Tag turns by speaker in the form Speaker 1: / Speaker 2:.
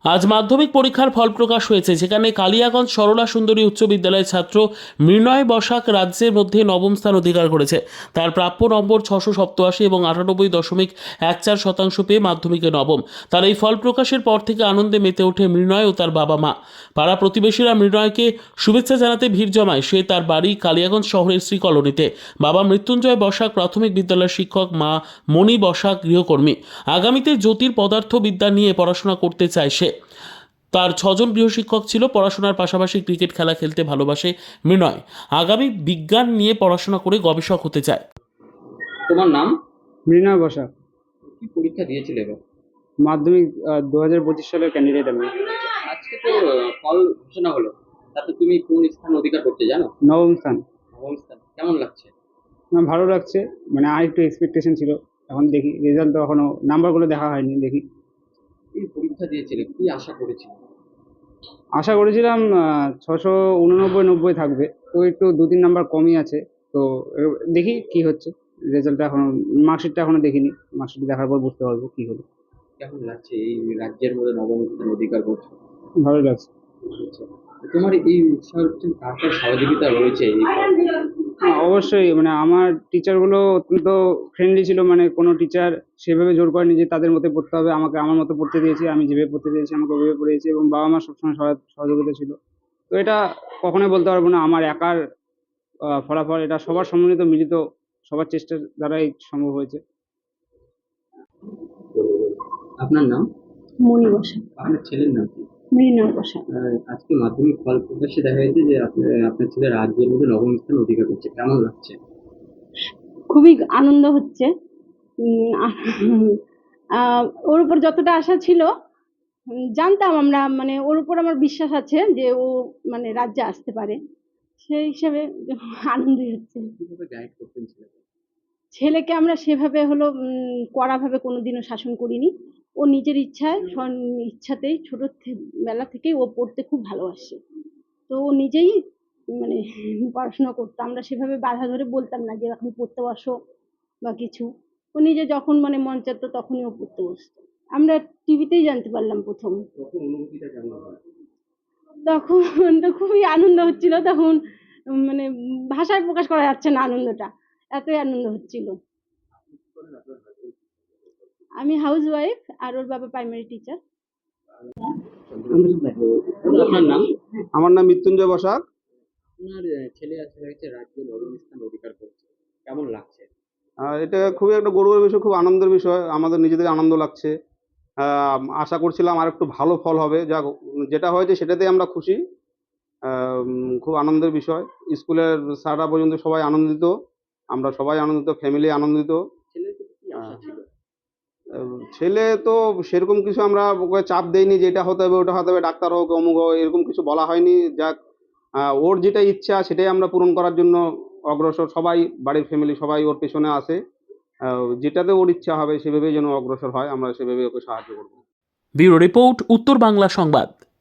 Speaker 1: আজ মাধ্যমিক পরীক্ষার ফল প্রকাশ হয়েছে, যেখানে কালিয়াগঞ্জ সরলা সুন্দরী উচ্চ বিদ্যালয়ের ছাত্র মৃণয় বসাক রাজ্যের মধ্যে নবম স্থান অধিকার করেছে। তার প্রাপ্য নম্বর 687 এবং 98.14% পেয়ে মাধ্যমিকে নবম। তার এই ফল প্রকাশের পর থেকে আনন্দে মেতে ওঠে মৃণয় ও তার বাবা মা। পাড়া প্রতিবেশীরা মৃণয়কে শুভেচ্ছা জানাতে ভিড় জমায়। সে তার বাড়ি কালিয়াগঞ্জ শহরের শ্রী কলোনিতে। বাবা মৃত্যুঞ্জয় বসাক প্রাথমিক বিদ্যালয়ের শিক্ষক, মা মণি বসাক গৃহকর্মী। আগামীতে জ্যোতির পদার্থবিদ্যা নিয়ে পড়াশোনা করতে চায় সে। তার 6জন গৃহশিক্ষক ছিল। পড়াশোনার পাশাপাশি ক্রিকেট খেলা খেলতে ভালোবাসে মৃণয়। আগামী বিজ্ঞান নিয়ে পড়াশোনা করে গবেষক হতে চায়।
Speaker 2: তোমার নাম?
Speaker 3: মৃণাল বসাক।
Speaker 2: কি পরীক্ষা দিয়েছিলে এবার?
Speaker 3: মাধ্যমিক 2025 সালের ক্যান্ডিডেট আমি।
Speaker 2: আজকে তো ফল ঘোষণা হলো, তাতে তুমি কোন স্থান অধিকার করতে জানো?
Speaker 3: নবম স্থান।
Speaker 2: নবম স্থান। কেমন লাগছে?
Speaker 3: আমার ভালো লাগছে, মানে আর একটু এক্সপেকটেশন ছিল। এখন দেখি, রেজাল্ট তো এখনো নাম্বারগুলো দেখা হয়নি, দেখি।
Speaker 2: এই পরীক্ষা দিয়েছিলে, কি আশা করেছিলে?
Speaker 3: আশা করেছিলাম 689-90 থাকবে, তো একটু 2-3 নাম্বার কমই আছে। তো দেখি কি হচ্ছে। রেজাল্টটা এখনো, মার্কশিটটা এখনো দেখিনি। মার্কশিট দেখার পর বুঝতে পারবো কি হলো।
Speaker 2: কেমন লাগছে এই রাজ্যের মধ্যে নবম স্থান অধিকার করছো?
Speaker 3: ভালো লাগছে।
Speaker 2: আচ্ছা, তোমার এই উৎসাহের পিছনে কার কার সহযোগিতা রয়েছে এই
Speaker 3: হ্যাঁ, অবশ্যই, মানে আমার টিচারগুলো অত্যন্ত ফ্রেন্ডলি ছিল। মানে কোনো টিচার সেভাবে জোর করেনি যে তাদের মতো পড়তে হবে। আমাকে আমার মতো পড়তে দিয়েছে, আমি যেভাবে পড়তে দিয়েছি আমাকে ওইভাবে পড়িয়েছে, এবং বাবা মা সবসময় সহযোগিতা ছিল। তো এটা কখনোই বলতে পারবো না আমার একার ফলাফল, এটা সবার সম্মিলিত মিলিত, সবার চেষ্টার দ্বারাই সম্ভব হয়েছে।
Speaker 2: আপনার নাম?
Speaker 4: মণি বসাক।
Speaker 2: আপনার ছেলের নাম কি?
Speaker 4: মৃণাল বসাক।
Speaker 2: আজকে মাধ্যমিক ফল প্রকাশে দেখা গেছে যে আপনার ছেলে রাজ্যের মধ্যে নবম স্থান অধিকার করছে, কেমন লাগছে?
Speaker 4: খুবই আনন্দ হচ্ছে। ওর উপর যতটা আশা ছিল, জানতাম আমরা, মানে ওর উপর আমার বিশ্বাস আছে যে ও মানে রাজ্যে আসতে পারে। সেই হিসাবে আনন্দই হচ্ছে।
Speaker 2: কিভাবে গাইড করতেন ছেলেকে?
Speaker 4: ছেলেকে আমরা সেভাবে হলো কড়াভাবে কোনোদিনও শাসন করিনি। ও নিজের ইচ্ছায় ইচ্ছাতেই বেলা থেকেই ও পড়তে খুব ভালোবাসে। তো ও নিজেই মানে পড়াশোনা করতো। আমরা সেভাবে বাধা ধরে বলতাম না যে এখন পড়তে বসো বা কিছু। ও নিজে যখন মানে মন চাইতো তখনই ও পড়তে বসতো। আমরা টিভিতেই জানতে পারলাম ১ম।
Speaker 2: তখন অনুভূতিটা কেমন হয়?
Speaker 4: তখন তো খুবই আনন্দ হচ্ছিল। তখন মানে ভাষায় প্রকাশ করা যাচ্ছে না আনন্দটা। এতই আনন্দ হচ্ছিল। আমি হাউসওয়াইফ আর ওর বাবা প্রাইমারি টিচার।
Speaker 2: আপনার নাম?
Speaker 3: আমার নাম মৃত্যুঞ্জয় বসাক।
Speaker 2: আপনার ছেলে আজকে হয়েছে রাজ্যে নবম স্থান অধিকার করছে, কেমন লাগছে?
Speaker 3: এটা খুবই একটা গৌরবের বিষয়, খুব আনন্দের বিষয়। আমাদের নিজেদের আনন্দ লাগছে। আশা করছিলাম আর একটু ভালো ফল হবে, যেটা হয়েছে সেটাতেই আমরা খুশি। খুব আনন্দের বিষয়। স্কুলের স্যাররা পর্যন্ত সবাই আনন্দিত, আমরা সবাই আনন্দিত, ফ্যামিলি আনন্দিত।
Speaker 2: ছেলের প্রতি কি আশা ছিল?
Speaker 3: ছেলে তো সেরকম কিছু আমরা ওকে চাপ দেইনি যে এটা হতে হবে ওটা হতে হবে, ডাক্তার হোক অমুক হোক, এরকম কিছু বলা হয়নি। যাক, ওর যেটা ইচ্ছা সেটাই আমরা পূরণ করার জন্য অগ্রসর। সবাই, বাড়ির ফ্যামিলি সবাই ওর পেছনে আছে। যেটাতে ওর ইচ্ছা হবে সেভাবেই যেন অগ্রসর হয়, আমরা সেভাবেই ওকে সাহায্য করবো।
Speaker 1: ব্যুরো রিপোর্ট, উত্তর বাংলা সংবাদ।